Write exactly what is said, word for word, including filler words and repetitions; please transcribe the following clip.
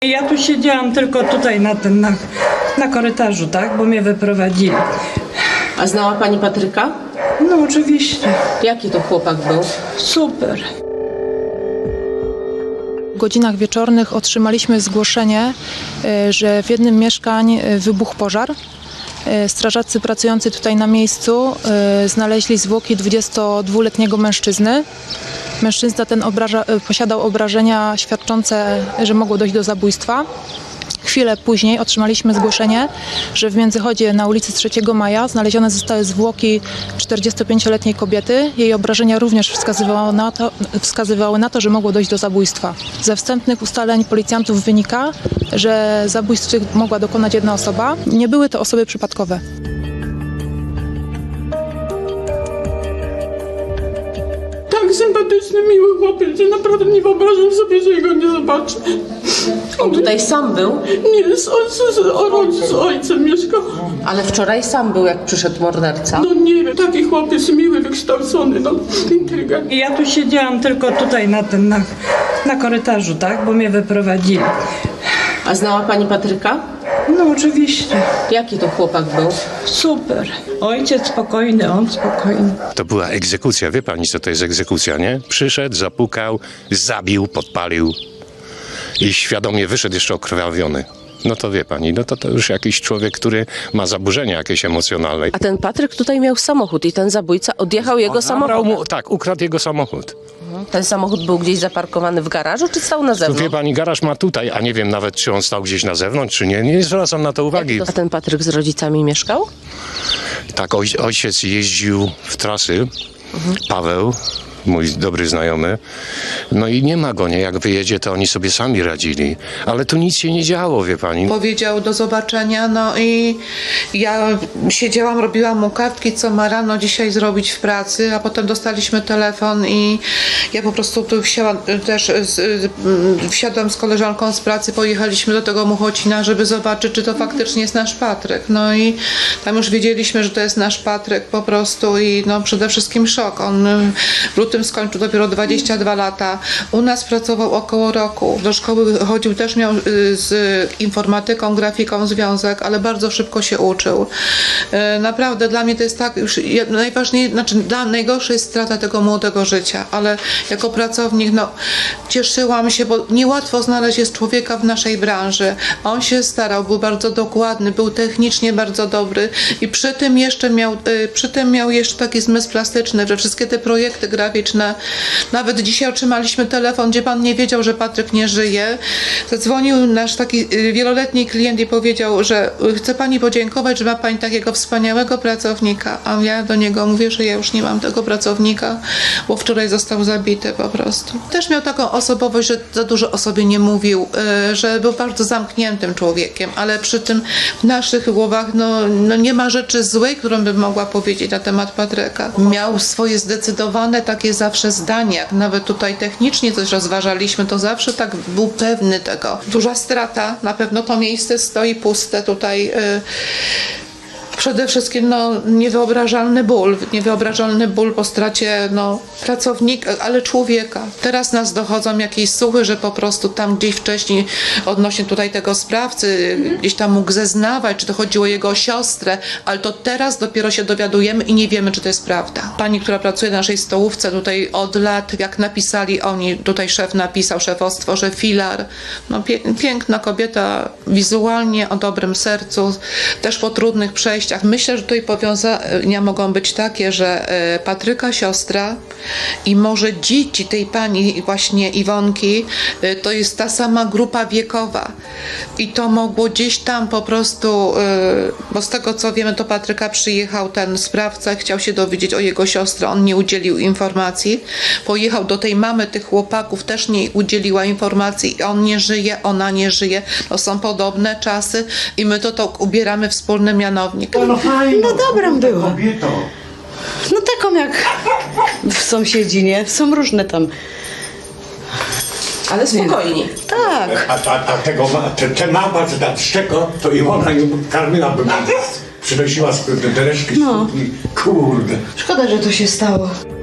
Ja tu siedziałam tylko tutaj na tym, na, na korytarzu, tak, bo mnie wyprowadzili. A znała pani Patryka? No oczywiście, Jaki to chłopak był? super. W godzinach wieczornych otrzymaliśmy zgłoszenie, e, że w jednym mieszkań e, wybuchł pożar. E, Strażacy pracujący tutaj na miejscu e, znaleźli zwłoki dwudziestodwuletniego mężczyzny. Mężczyzna ten obraża, e, posiadał obrażenia świadczące, że mogło dojść do zabójstwa. Chwilę później otrzymaliśmy zgłoszenie, że w Międzychodzie na ulicy trzeciego maja znalezione zostały zwłoki czterdziestopięcioletniej kobiety. Jej obrażenia również wskazywały na, to, wskazywały na to, że mogło dojść do zabójstwa. Ze wstępnych ustaleń policjantów wynika, że zabójstw tych mogła dokonać jedna osoba. Nie były to osoby przypadkowe. Tak sympatyczny, miły chłopiec, że naprawdę nie wyobrażam sobie, że jego nie zobaczę. On tutaj sam był, Nie, z, z, z, o rodzic z ojcem mieszkał. ale wczoraj sam był, jak przyszedł morderca. No nie wiem, taki chłopiec miły, wykształcony, no inteligentny. Ja tu siedziałam tylko tutaj na tym, na, na korytarzu, tak, bo mnie wyprowadzili. A znała pani Patryka? No oczywiście, Jaki to chłopak był? super. Ojciec spokojny, on spokojny. To była egzekucja. Wie pani, co to jest egzekucja, nie? Przyszedł, zapukał, zabił, podpalił i świadomie wyszedł jeszcze okrwawiony. No to wie pani, no to, to już jakiś człowiek, który ma zaburzenia jakieś emocjonalne. A ten Patryk tutaj miał samochód i ten zabójca odjechał jego Zabrał samochód. mu, tak, ukradł jego samochód. Ten samochód był gdzieś zaparkowany w garażu, czy stał na Tu wie zewnątrz? pani, garaż ma tutaj, a nie wiem nawet, czy on stał gdzieś na zewnątrz, czy nie. Nie zwracam na to uwagi. A ten Patryk z rodzicami mieszkał? Tak, oj, ojciec jeździł w trasy, Paweł, mój dobry znajomy, no i nie ma go, nie? Jak wyjedzie, to oni sobie sami radzili. Ale tu nic się nie działo, wie pani. Powiedział do zobaczenia, no i ja siedziałam, robiłam mu kartki, co ma rano dzisiaj zrobić w pracy, a potem dostaliśmy telefon i ja po prostu tu wsiadłam też, z, wsiadłam z koleżanką z pracy, pojechaliśmy do tego Muchocina, żeby zobaczyć, czy to faktycznie jest nasz Patryk. No i tam już wiedzieliśmy, że to jest nasz Patryk po prostu i no przede wszystkim szok. On w lutym skończył dopiero dwadzieścia dwa lata. U nas pracował około roku. Do szkoły chodził, też miał y, z informatyką, grafiką związek, ale bardzo szybko się uczył. Y, Naprawdę dla mnie to jest tak, już najważniejsze, znaczy dla najgorsza jest strata tego młodego życia, ale jako pracownik, no cieszyłam się, bo niełatwo znaleźć jest człowieka w naszej branży. On się starał, był bardzo dokładny, był technicznie bardzo dobry i przy tym jeszcze miał, y, przy tym miał jeszcze taki zmysł plastyczny, że wszystkie te projekty graficzne. Nawet dzisiaj otrzymaliśmy telefon, gdzie pan nie wiedział, że Patryk nie żyje. Zadzwonił nasz taki wieloletni klient i powiedział, że chce pani podziękować, że ma pani takiego wspaniałego pracownika. A ja do niego mówię, że ja już nie mam tego pracownika, bo wczoraj został zabity po prostu. Też miał taką osobowość, że za dużo o sobie nie mówił, że był bardzo zamkniętym człowiekiem, ale przy tym w naszych głowach no, no nie ma rzeczy złej, którą bym mogła powiedzieć na temat Patryka. Miał swoje zdecydowane takie zawsze zdania, jak nawet tutaj technicznie coś rozważaliśmy, to zawsze tak był pewny tego. Duża strata, na pewno to miejsce stoi puste tutaj. Yy, Przede wszystkim no, niewyobrażalny ból, niewyobrażalny ból po stracie no, pracownika, ale człowieka. Teraz nas dochodzą jakieś słuchy, że po prostu tam gdzieś wcześniej odnośnie tutaj tego sprawcy, gdzieś tam mógł zeznawać, czy to chodziło o jego siostrę, ale to teraz dopiero się dowiadujemy i nie wiemy, czy to jest prawda. Pani, która pracuje na naszej stołówce tutaj od lat, jak napisali oni, tutaj szef napisał, szefostwo, że filar, no pie piękna kobieta, wizualnie, o dobrym sercu, też po trudnych przejściach. Myślę, że tutaj powiązania mogą być takie, że Patryka siostra i może dzieci tej pani właśnie Iwonki to jest ta sama grupa wiekowa i to mogło gdzieś tam po prostu, bo z tego co wiemy, to Patryka przyjechał ten sprawca, chciał się dowiedzieć o jego siostrę, on nie udzielił informacji, pojechał do tej mamy tych chłopaków, też nie udzieliła informacji, on nie żyje, ona nie żyje, to są podobne czasy i my to, to ubieramy wspólny mianownik. No fajno, No dobrą była. kobieto. No taką jak w sąsiedzi, nie? Są różne tam. Ale spokojnie. Tak. A, a, a tego, ma- te, te mama z nadszczego, to i ona ją karmiła, by przynosiła z te reszki No. z kuchni. Kurde. Szkoda, że to się stało.